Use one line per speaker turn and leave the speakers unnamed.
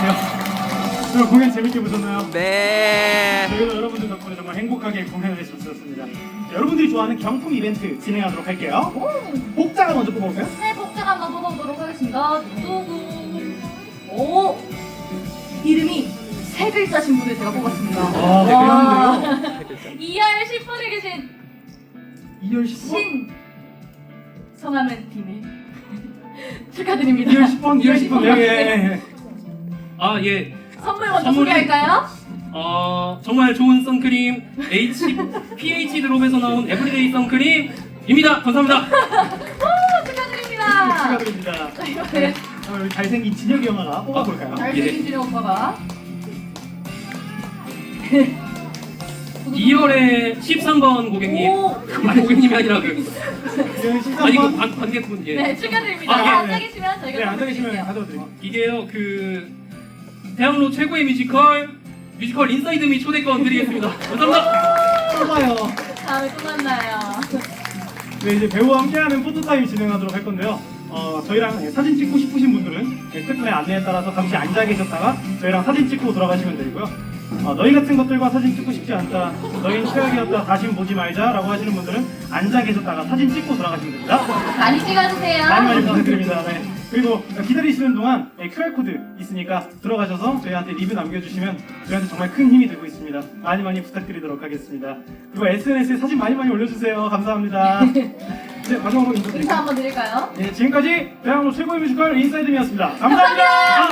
오늘 공연 재밌게 보셨나요?
네.
저희도 여러분들 덕분에 정말 행복하게 공연을 했었습니다. 여러분들이 좋아하는 경품 이벤트 진행하도록 할게요. 복자가 먼저 뽑아볼까요?
네, 복자가 한번 뽑아보도록 하겠습니다. 오! 이름이 세 글자신 분을 제가 뽑았습니다.
아, 네, 그랬는데요.
2열 10분에 계신
2월 10번?
신 성함은 비밀 축하드립니다.
2월 10번, 2월 10번. 예, 예.
아, 예.
선물 먼저
선물이-
소개할까요?
정말 좋은 선크림 pH 드롭에서 나온 에브리데이 선크림입니다. 감사합니다.
오, 축하드립니다.
축하드립니다.
자, 이렇게
여기 잘생긴 진혁이 형아가 뽑아볼까요?
잘생긴 진영 오빠가
2열의 13번 고객님.
오!
아니, 고객님이 아니라 그.
2월
아니, 그
13번.
관객분. 예.
네, 축하드립니다.
아, 예,
앉아
네.
계시면 저희가
네,
선물
앉아계시면
드릴게요.
가져도 드릴게요.
이게요, 대학로 최고의 뮤지컬 인사이드 미 초대권 드리겠습니다. 감사합니다.
뽑아요.
다음에 또 만나요.
네, 이제 배우와 함께하는 포토타임 진행하도록 할 건데요. 저희랑 사진 찍고 싶으신 분들은 스태프의 안내에 따라서 잠시 앉아 계셨다가 저희랑 사진 찍고 돌아가시면 되고요. 너희 같은 것들과 사진 찍고 싶지 않다, 너희는 최악이었다, 다신 보지 말자 라고 하시는 분들은 앉아 계셨다가 사진 찍고 돌아가시면 됩니다.
많이 찍어주세요.
많이 부탁드립니다. 네. 그리고 기다리시는 동안 QR코드 있으니까 들어가셔서 저희한테 리뷰 남겨주시면 저희한테 정말 큰 힘이 되고 있습니다. 많이 부탁드리도록 하겠습니다. 그리고 SNS에 사진 많이 올려주세요. 감사합니다. 네, 마지막으로
인사
인사드릴게요.
한번 드릴까요?
네, 지금까지 대학로 최고의 뮤지컬 인사이드미였습니다. 감사합니다.